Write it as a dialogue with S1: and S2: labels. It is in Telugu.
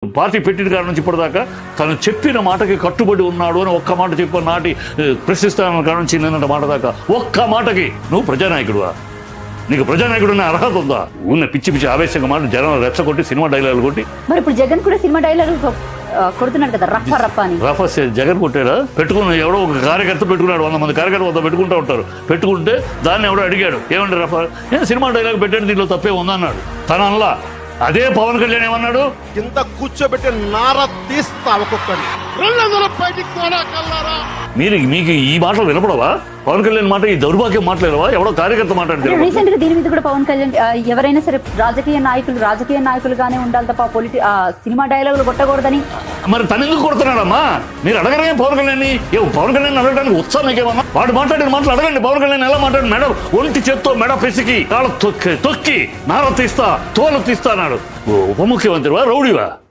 S1: పార్టీ పెట్టిన కాడ నుంచి ఇప్పటిదాకా తను చెప్పిన మాటకి కట్టుబడి ఉన్నాడు అని ఒక్క మాట చెప్పి నాటి ప్రశ్నిస్తాన కాడ నుంచి నిన్నటి మాట దాకా ఒక్క మాటకి నువ్వు ప్రజానాయకుడువా? నీకు ప్రజానాయకుడు అనే అర్హత ఉందా? ఉన్న పిచ్చి పిచ్చి ఆవేశంగా మాట జనం రెచ్చగొట్టి సినిమా డైలాగులు కొట్టి.
S2: మరి ఇప్పుడు జగన్ కూడా సినిమా డైలాగులు కొడుతున్నాడు కదా, రఫ రఫ అని.
S1: రఫ జగన్ కొట్టాడా? పెట్టుకున్న ఎవడో ఒక కార్యకర్త పెట్టుకున్నాడు, 100 మంది కార్యకర్త వద్ద పెట్టుకుంటూ ఉంటారు. పెట్టుకుంటే దాన్ని ఎవడో అడిగాడు, ఏమంటే రఫ నేను సినిమా డైలాగ్ పెట్టాడు, దీంట్లో తప్పే ఉందన్నాడు. తన అల్లా అదే పవన్ కళ్యాణ్ ఏమన్నాడు?
S3: కింద కూర్చోబెట్టి నార తీస్తా ఒక్కొక్కడి.
S1: మీకు ఈ మాటలు వినపడవా? పవన్ కళ్యాణ్ మాట, ఈ దౌర్భాగ్యం మాట్లాడవా? ఎవడో కార్యకర్త మాట్లాడితే
S2: రీసెంట్ గా దీని మీద కూడా పవన్ కళ్యాణ్ ఎవరైనా సరే రాజకీయ నాయకులుగానే ఉండాలి తప్ప సినిమా డైలాగులు కొట్టకూడదని.
S1: మరి తను ఎందుకు కొడుతున్నాడమ్మా? మీరు అడగరే పవన్ కళ్యాణ్. పవన్ కళ్యాణ్ అడగడానికి ఉత్సాహం మీకేమన్నా? వాడు మాట్లాడిన మాటలు అడగండి. పవన్ కళ్యాణ్ ఎలా మాట్లాడి మెడ ఒంటి చేత్తో మెడ పిసికి కాళ్ళ తొక్కి నార తీస్తా తోలు తీస్తా అన్నాడు. ఉప ముఖ్యమంత్రివా రౌడీవా?